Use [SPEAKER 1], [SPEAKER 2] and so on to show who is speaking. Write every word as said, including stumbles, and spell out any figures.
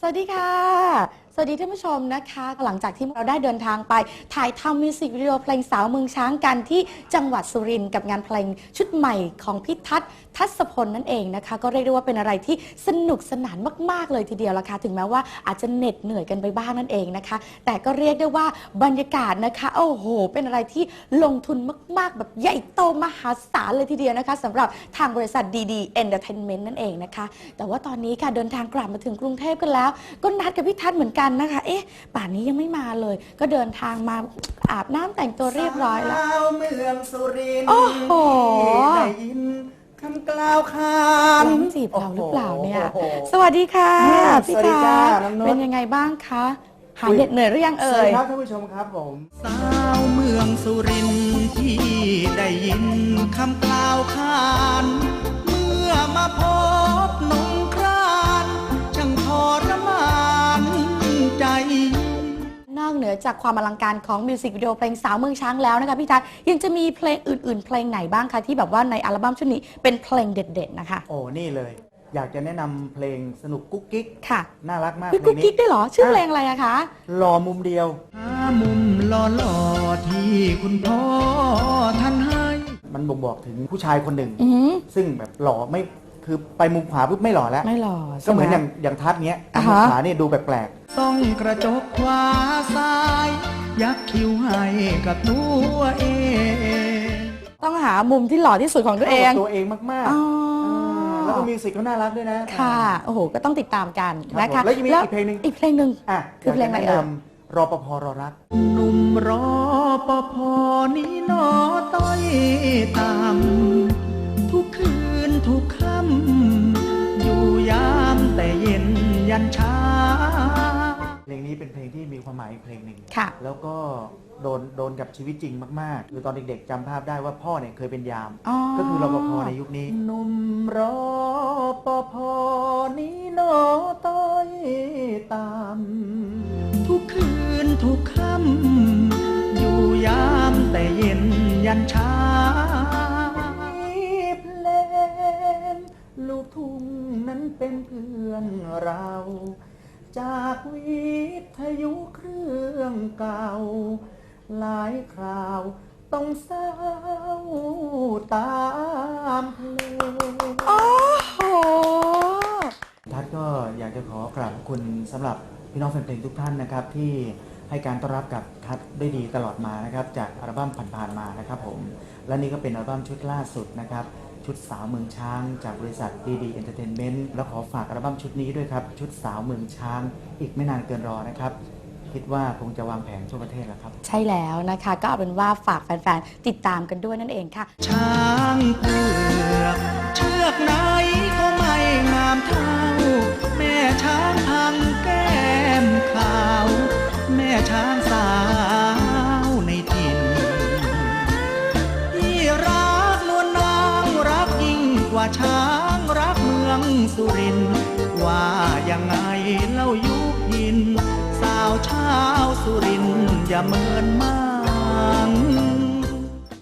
[SPEAKER 1] สวัสดีค่ะสวัสดีท่านผู้ชมนะคะหลังจากที่เราได้เดินทางไปถ่ายทำมิวสิกวิดีโอเพลงสาวเมืองช้างกันที่จังหวัดสุรินทร์กับงานเพลงชุดใหม่ของพี่ทัศน์ทัศพลนั่นเองนะคะก็เรียกได้ว่าเป็นอะไรที่สนุกสนานมากๆเลยทีเดียวละค่ะถึงแม้ว่าอาจจะเหน็ดเหนื่อยกันไปบ้างนั่นเองนะคะแต่ก็เรียกได้ว่าบรรยากาศนะคะโอ้โหเป็นอะไรที่ลงทุนมากๆแบบใหญ่โตมหาศาลเลยทีเดียวนะคะสำหรับทางบริษัทดีดีเอนเตอร์เทนเมนต์นั่นเองนะคะแต่ว่าตอนนี้ค่ะเดินทางกลับมาถึงกรุงเทพกันแล้วก็นัดกับพี่ทัศน์เหมือนกันนะคะเอ๊ะป่านนี้ยังไม่มาเลยก็เดินทางมาอาบน้ำแต่งตัวเรียบร้อยแล้ว
[SPEAKER 2] สาวเมืองสุรินทร์
[SPEAKER 1] โอ้โห
[SPEAKER 2] ได้ยินคำกล่าวขาน
[SPEAKER 1] ร้องจีบเราหรือเปล่าเนี่ยสวัสดีค่ะพี่ทัศน์เป็นยังไงบ้างคะหายเหน็ดเหนื่อยหรือยังเอ่ย
[SPEAKER 2] สวัสดีครับท่านผู้ชมครับผม
[SPEAKER 3] สาวเมืองสุรินทร์ที่ได้ยินคำกล่าวขานเมื่อมาพบนงครานช่างทรมานใจ
[SPEAKER 1] นอกเหนือจากความอลังการของมิวสิกวิดีโอเพลงสาวเมืองช้างแล้วนะคะพี่ทัศน์ยังจะมีเพลงอื่นๆเพลงไหนบ้างคะที่แบบว่าในอัลบั้มชุดนี้เป็นเพลงเด็ดๆนะคะ
[SPEAKER 2] โอ้นี่เลยอยากจะแนะนำเพลงสนุกกุ๊กกิ๊ก
[SPEAKER 1] ค่ะ
[SPEAKER 2] น่ารักมาก
[SPEAKER 1] พี่กุ๊กกิ๊กได้เหรอชื่อเพลงอะไรอะคะ
[SPEAKER 2] รอมุมเดียว
[SPEAKER 3] หามุมหล่อๆที่คุณพ่อท่านให้
[SPEAKER 2] มันบ่งบอกถึงผู้ชายคนหนึ่ง ซึ่งแบบหล่อไม่คือไปมุมขวาปุ๊บไม่หล่อแล้ว
[SPEAKER 1] ไม่หล่อ
[SPEAKER 2] ก็เหมือนอย่างอย่างทัศเนี้ยมุมขวานี่ดูแปลก
[SPEAKER 3] ๆต้องกระจกขวาซ้ายยักคิ้วให้กับตัวเอง
[SPEAKER 1] ต้องหามุมที่หล่อที่สุดของตัวเอง
[SPEAKER 2] ตัวเองมากๆแล้วก็มิวสิกก็น่ารักด้วยนะ
[SPEAKER 1] ค่ะโอ้โหก็ต้องติดตามกันนะคะ
[SPEAKER 2] แล้วยังมีอีกเพลงหนึ่ง
[SPEAKER 1] อีกเพลงหนึ่งคือเพลงอะไรเอ่ย
[SPEAKER 2] รอปภรอรัก
[SPEAKER 3] หนุ่มรอปภนี้นอต้อยตามทุกคืนทุกค่ำอยู่ยามแต่เย็นยันเช้า
[SPEAKER 2] เพลงนี้เป็นเพลงที่มีความหมายอีกเพลงหนึ่ง
[SPEAKER 1] ค่ะ
[SPEAKER 2] แล้วก็โดนโดนกับชีวิตจริงมากๆคือตอนเด็กๆจำภาพได้ว่าพ่อเนี่ยเคยเป็นยามก็คือรปภในยุคนี้
[SPEAKER 3] หนุ่มรอปภนี้นอต้อยตามทุกคืนทุกค่ำอยู่ยามแต่เย็นยันเช้า
[SPEAKER 2] เพลงลูกทุ่งนั้นเป็นเพื่อนเราจากวิทยุเครื่องเก่าหลายคราวต้องเศร้าตามเพลง
[SPEAKER 1] โอ้โห
[SPEAKER 2] ทัศน์ก็อยากจะขอกราบคุณสำหรับพี่น้องแฟนเพลงทุกท่านนะครับที่ให้การต้อนรับกับทัศน์ได้ดีตลอดมานะครับจากอัลบั้มผ่านๆมานะครับผมและนี่ก็เป็นอัลบั้มชุดล่าสุดนะครับชุดสาวเมืองช้างจากบริษัทดีดีเอนเตอร์เทนเมนต์แล้วขอฝากอัลบั้มชุดนี้ด้วยครับชุดสาวเมืองช้างอีกไม่นานเกินรอนะครับคิดว่าคงจะวางแผนทั่วประเทศแล้วครับ
[SPEAKER 1] ใช่แล้วนะคะก็เอาเป็นว่าฝากแฟนๆติดตามกันด้วยนั่นเองค่ะ
[SPEAKER 3] ช้างเผือกเชือกไหนก็ไม่งามเท่าแม่ช้างทางแก้มขาวแม่ช้างสาวในถิ่นที่รักนวลนางรักยิ่งกว่าช้างรักเมืองสุรินทร์ว่ายังไงเล่ายุพินสาวชาวสุรินทร์อย่าเมินมาง